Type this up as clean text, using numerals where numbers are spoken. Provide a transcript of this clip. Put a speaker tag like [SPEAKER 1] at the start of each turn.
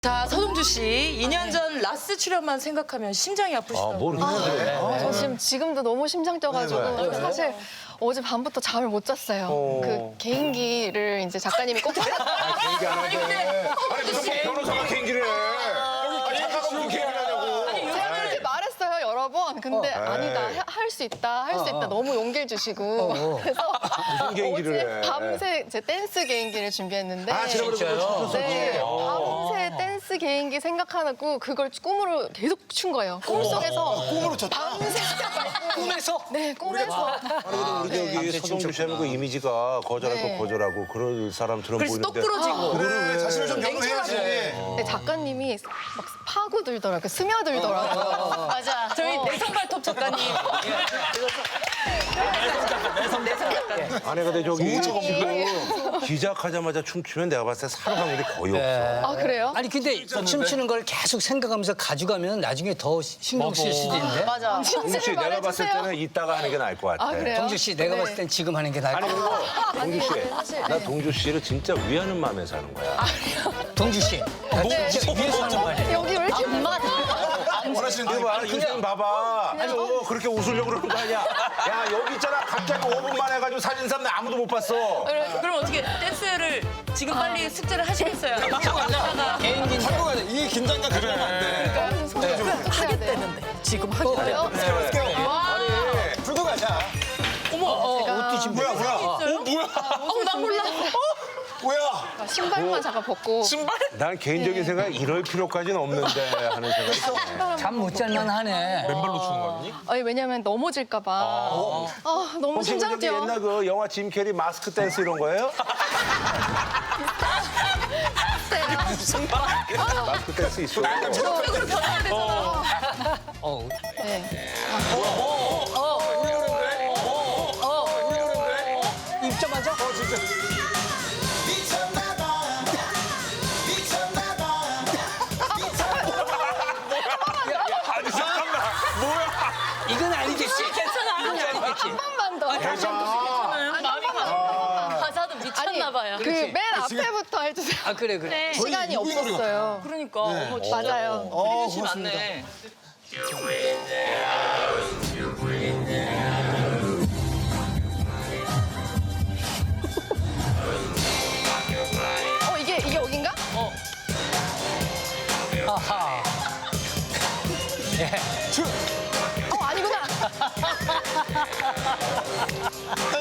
[SPEAKER 1] 자, 서동주 씨, 2년 전 라스 출연만 생각하면 심장이 아프시다고.
[SPEAKER 2] 모르겠는데.
[SPEAKER 3] 저 지금도 너무 심장 뛰어가지고 사실 어제 밤부터 잠을 못 잤어요. 그 개인기를 이제 작가님이 꼭
[SPEAKER 2] 개인기 안 하는데. 아니 무슨 뭐 변호사가 개인기를 해. 여기 작가가 무슨 개인기를 하냐고.
[SPEAKER 3] 제가 그렇게 말했어요 여러 번. 근데 아니다 할 수 있다 할 수 있다 너무 용기를 주시고 그래서
[SPEAKER 2] 무슨 개인기를
[SPEAKER 3] 어제
[SPEAKER 2] 해.
[SPEAKER 3] 밤새 제 댄스 개인기를 준비했는데
[SPEAKER 2] 진짜요?
[SPEAKER 3] 네, 밤새 댄스 개인기 생각하고 그걸 꿈으로 계속 춘 거예요. 꿈속에서
[SPEAKER 4] 꿈으로 쳤다.
[SPEAKER 3] 밤새
[SPEAKER 5] 꿈에서?
[SPEAKER 3] 네 꿈에서
[SPEAKER 2] 아니 근데 우리 저기 서동주 씨하면 그 이미지가 거절할 거
[SPEAKER 3] 네.
[SPEAKER 2] 거절하고 그럴 사람처럼
[SPEAKER 1] 그래서
[SPEAKER 2] 보이는데.
[SPEAKER 1] 똑 부러지고.
[SPEAKER 4] 그래, 자신을 좀 변호해야지.
[SPEAKER 3] 네, 작가님이 막 파고들더라고요. 스며들더라고요.
[SPEAKER 1] 맞아. 저희 내성 발톱 작가님. 내성 작가님.
[SPEAKER 2] 아니 근데 저기 지금 시작하자마자 춤추면 내가 봤을 때 살 확률이 거의 없어.
[SPEAKER 3] 아 그래요?
[SPEAKER 5] 아니 근데 춤추는 걸 계속 생각하면서 가져가면 나중에 더 신경 쓰일 수도 있는데.
[SPEAKER 1] 맞아.
[SPEAKER 2] 동주 씨 내가 봤을 때는 이따가 하는 게 나을 것 같아.
[SPEAKER 3] 아 그래요?
[SPEAKER 5] 동주 씨 내가 봤을 땐 지금 하는 게 나을 것
[SPEAKER 2] 아니
[SPEAKER 5] 같아.
[SPEAKER 2] 그리고 동주 씨,
[SPEAKER 3] 사실,
[SPEAKER 2] 나
[SPEAKER 3] 네.
[SPEAKER 2] 동주 씨를 진짜 위하는 마음에 사는 거야.
[SPEAKER 5] 동주 씨. 나 진짜 위에서 하는 말이야.
[SPEAKER 3] 여기 왜 이렇게
[SPEAKER 4] 원하시는
[SPEAKER 2] 이거 봐, 요즘 봐봐. 아니 그렇게 웃으려고 그러는 거 아니야. 야 여기 있잖아. 갑자기 5분만 해가지고 사진 샀는데 아무도 못 봤어.
[SPEAKER 1] 그럼 어떻게 댄스를 지금 빨리 숙제를 하시겠어요?
[SPEAKER 5] 개인기인데.
[SPEAKER 4] 한국 아니야. 이 긴장감 가져가면 안 돼.
[SPEAKER 3] 하겠다는데 지금 하겠대요?
[SPEAKER 4] 불고 가자.
[SPEAKER 5] 옷도 지금
[SPEAKER 4] 뭐야, 뭐야.
[SPEAKER 1] 나 몰라.
[SPEAKER 4] 뭐야.
[SPEAKER 3] 신발만 잠깐 벗고
[SPEAKER 2] 난 개인적인 생각에 이럴 필요까지는 없는데 하는 생각이 있네.
[SPEAKER 5] 잠 못 잘만 하네.
[SPEAKER 3] 아니 왜냐면 넘어질까 봐 너무
[SPEAKER 2] 혹시
[SPEAKER 3] 심장
[SPEAKER 2] 저기
[SPEAKER 3] 뛰어
[SPEAKER 2] 옛날 그 영화 짐 캐리 마스크 댄스 이런 거예요? 마스크 댄스 있어.
[SPEAKER 5] 어.
[SPEAKER 3] 네.
[SPEAKER 5] 입자마자? 이건 아니겠지?
[SPEAKER 1] 괜찮아.
[SPEAKER 5] 이건 아니겠지?
[SPEAKER 3] 한 번만 더
[SPEAKER 1] 가사도 미쳤나 봐요.
[SPEAKER 3] 그 맨 앞에부터 해주세요.
[SPEAKER 5] 아 그래 그래.
[SPEAKER 1] 네.
[SPEAKER 3] 시간이 없었어요.
[SPEAKER 1] 그러니까. 어머, 진짜
[SPEAKER 3] 맞아요.
[SPEAKER 1] 드리듯이 많네.
[SPEAKER 3] 이게 여긴가?
[SPEAKER 5] 아하.
[SPEAKER 3] 아니구나.